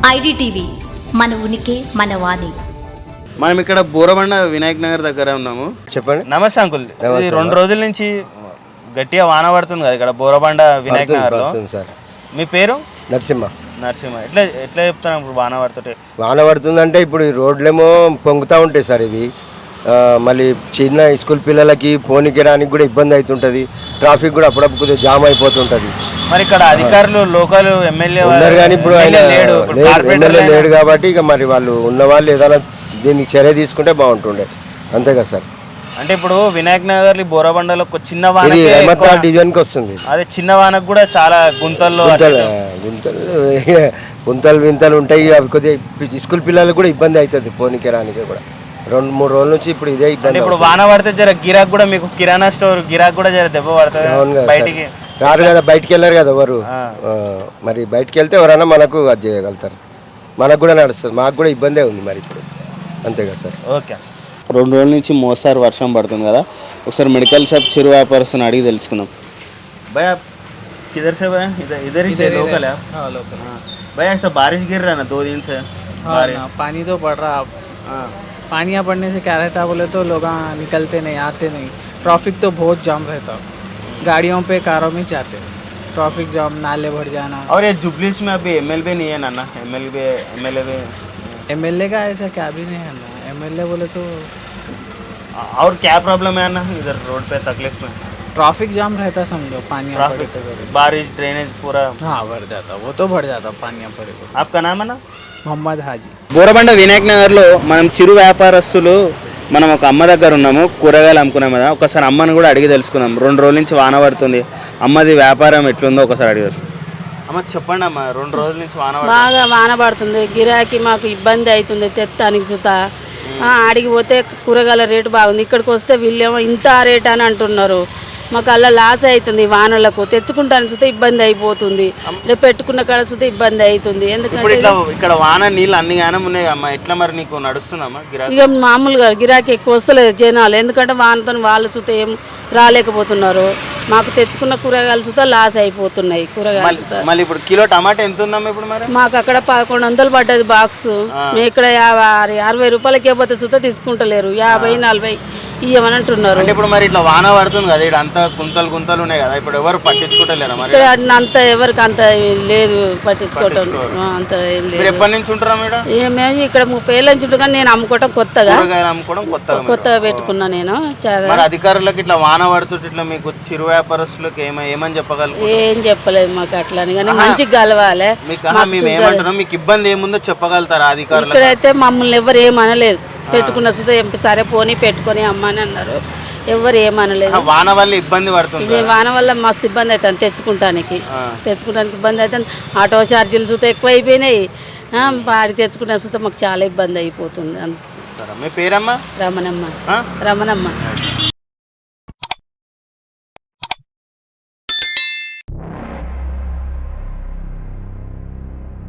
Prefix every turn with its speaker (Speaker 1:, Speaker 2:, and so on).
Speaker 1: IDTV మన ఉనికి మన వాణి.
Speaker 2: మనం ఇక్కడ బోరబండ వినాయక్ నగర్ దగ్గర ఉన్నాము.
Speaker 3: చెప్పండి.
Speaker 2: నమస్తే అంకుల్. ఇది 2 రోజుల నుంచి గట్టిగా వాన పడుతుంది కదా ఇక్కడ బోరబండ వినాయక్ నగర్ లో. మీ పేరు?
Speaker 3: నరసింహ.
Speaker 2: ఎట్లా చెప్తాను ఇప్పుడు వాన పడుతుంటే?
Speaker 3: వాన పడుతుందంటే ఇప్పుడు ఈ రోడ్లేమో పొంగుతూ ఉంటాయి సార్. ఇవి మళ్ళీ చిన్న స్కూల్ పిల్లలకి పోనీకి రానికి కూడా ఇబ్బంది అవుతుంటుంది. ట్రాఫిక్ కూడా అప్పుడప్పుడు కొద్దిగా జామ్ అయిపోతుంటుంది.
Speaker 2: మరి ఇక్కడ అధికారులు లోకల్ ఎమ్మెల్యే
Speaker 3: ఉన్నారు కానీ ఇప్పుడు ఆయన ఎమ్మెల్యే లేడు కాబట్టి ఇక మరి వాళ్ళు ఉన్నవాళ్ళు ఏదైనా దీనికి చర్య తీసుకుంటే బాగుంటుండే. అంతే కదా సార్.
Speaker 2: అంటే ఇప్పుడు వినాయక్ నగర్ బోరబండలో చిన్న వాన
Speaker 3: డివిజన్కి వస్తుంది.
Speaker 2: అదే చిన్న వానకు కూడా చాలా గుంతలు
Speaker 3: వింతలు ఉంటాయి. అవి కొద్దిగా స్కూల్ పిల్లలకు కూడా ఇబ్బంది అవుతుంది పోనీకి రానికి కూడా. 2-3 రోజుల నుంచి ఇప్పుడు ఇదే ఇబ్బంది.
Speaker 2: ఇప్పుడు వాన పడితే జర గిరాక్ కూడా మీకు కిరాణా స్టోర్ గిరాక్ కూడా జర దెబ్బ పడుతుంది. బయటికి
Speaker 3: రారు కదా, బయటికి వెళ్ళారు కదా ఎవరు. మరి బయటికి వెళ్తే ఎవరైనా మనకు అది చేయగలుగుతారు. మనకు కూడా నడుస్తుంది, మాకు కూడా ఇబ్బందే ఉంది మరి ఇప్పుడు. అంతే కదా సార్.
Speaker 2: ఓకే. 2 రోజుల నుంచి మోస్తారు వర్షం పడుతుంది కదా. ఒకసారి మెడికల్ షాప్ చిరు వ్యాపారస్తుని అడిగి తెలుసుకుందాం. भैया किधर से भैया? इधर ही से लोकल है? हाँ लोकल. भैया ऐसा बारिश गिर रहा है ना 2 दिन से.
Speaker 4: हाँ ना, पानी तो पड़ रहा. पानी यहाँ पड़ने से क्या रहता बोले तो लोग निकलते नहीं, आते नहीं. ट्रैफिक तो बहुत जाम रहता, गाड़ियों पे कारों में जाते, ट्रैफिक जाम, नाले भर जाना.
Speaker 2: और ये जुबलीस में अभी एमएलए नहीं है ना?
Speaker 4: एमएलए का ऐसा क्या भी नहीं है ना. एमएलए बोले तो
Speaker 2: और क्या प्रॉब्लम है ना इधर रोड पे तकलीफ में?
Speaker 4: ट्रैफिक जाम रहता समझो. पानी
Speaker 2: बारिश ड्रेनेज पूरा
Speaker 4: हाँ भर जाता, वो तो भर जाता पानी पड़े.
Speaker 2: आपका नाम है ना?
Speaker 4: మొహమ్మద్ హాజీ.
Speaker 2: బోరబండ వినాయక్ నగర్లో మనం చిరు వ్యాపారస్తులు మనం ఒక అమ్మ దగ్గర ఉన్నాము. కూరగాయలు అమ్ముకున్నాం కదా. ఒకసారి అమ్మని కూడా అడిగి తెలుసుకుందాం. 2 రోజుల నుంచి వాన పడుతుంది. అమ్మది వ్యాపారం ఎట్లుందో ఒకసారి అడిగారు. అమ్మ చెప్పండి అమ్మ, 2 రోజుల నుంచి
Speaker 5: బాగా వాన పడుతుంది. గిరాకీ మాకు ఇబ్బంది అవుతుంది తెత్తానికి సుతా. ఆడికి పోతే కూరగాయల రేటు బాగుంది, ఇక్కడికి వస్తే వీళ్ళేమో ఇంత రేట్ అని అంటున్నారు. మాకు అలా లాస్ అవుతుంది. వానలకు తెచ్చుకుంటానికి సుతా ఇబ్బంది అయిపోతుంది. రేపు పెట్టుకున్న కాడ సుతా ఇబ్బంది అవుతుంది. ఎందుకంటే
Speaker 2: ఇక్కడ వాన నీళ్ళు అన్ని గానం ఉన్నాయి అమ్మ. ఎట్లా మరి నీకు నడుస్తుందమ్మా గిరాకీ?
Speaker 5: ఇక మామూలుగా గిరాకీ ఎక్కువ వస్తలేదు జనాలు. ఎందుకంటే వానతో వాళ్ళు సుతా ఏం రాలేకపోతున్నారు. మాకు తెచ్చుకున్న కూరగాయలు సుతా లాస్ అయిపోతున్నాయి. కూరగాయలు
Speaker 2: మళ్ళీ ఇప్పుడు కిలో టమాటా ఎంత ఉందమ్మా ఇప్పుడు మరి?
Speaker 5: మాకు అక్కడ 1100 పడ్డది బాక్స్. మేము ఇక్కడ 60 రూపాయలకి ఇవ్వతే సుతా తీసుకుంటలేరు. 50-40 ఇవ్వమని అంటున్నారు.
Speaker 2: అంటే ఇప్పుడు మరి ఇట్లా వాన పడుతుంది కదా, ఇక్కడ అంతా గుంతలు ఉన్నాయి కదా, ఇప్పుడు ఎవరు పట్టించుకుంటలేరా మరి?
Speaker 5: ఇక్కడ అంత ఎవరికి అంత లేదు పట్టించుకోవటం. అంత ఏం లేదు.
Speaker 2: ఎప్పటి నుంచి ఉంటారా మేడం?
Speaker 5: మేము ఇక్కడ 30 ఏళ్ళ నుంచి ఉంటాం. కానీ నేను అమ్ముకోవటం కొత్తగా పెట్టుకున్నా. నేను
Speaker 2: అధికారులకు ఇట్లా వాన పడుతుంటే ఇట్లా మీకు చిరు వ్యాపారస్తులకు ఏమని చెప్పగలరు?
Speaker 5: ఏం చెప్పలేదు మాకు అట్లా. కానీ మంచిగా కలవాలి.
Speaker 2: మీకు ఇబ్బంది ఏముందో చెప్పగలుగుతారా అధికారులు?
Speaker 5: ఇక్కడైతే మమ్మల్ని ఎవరు ఏమనలేదు. పెట్టుకున్న సుతా సరే పోనీ పెట్టుకొని అమ్మని అన్నారు. ఎవరు ఏమనలేదు.
Speaker 2: వాన వల్ల ఇబ్బంది పడుతుంది.
Speaker 5: వాన వల్ల మస్తు ఇబ్బంది అవుతుంది. తెచ్చుకుంటానికి ఇబ్బంది అవుతుంది. ఆటో ఛార్జీలు సుతా ఎక్కువ అయిపోయినాయి. వాడి తెచ్చుకున్న సుతా మాకు చాలా ఇబ్బంది అయిపోతుంది.
Speaker 2: మీ పేరమ్మా?
Speaker 5: రమణమ్మ.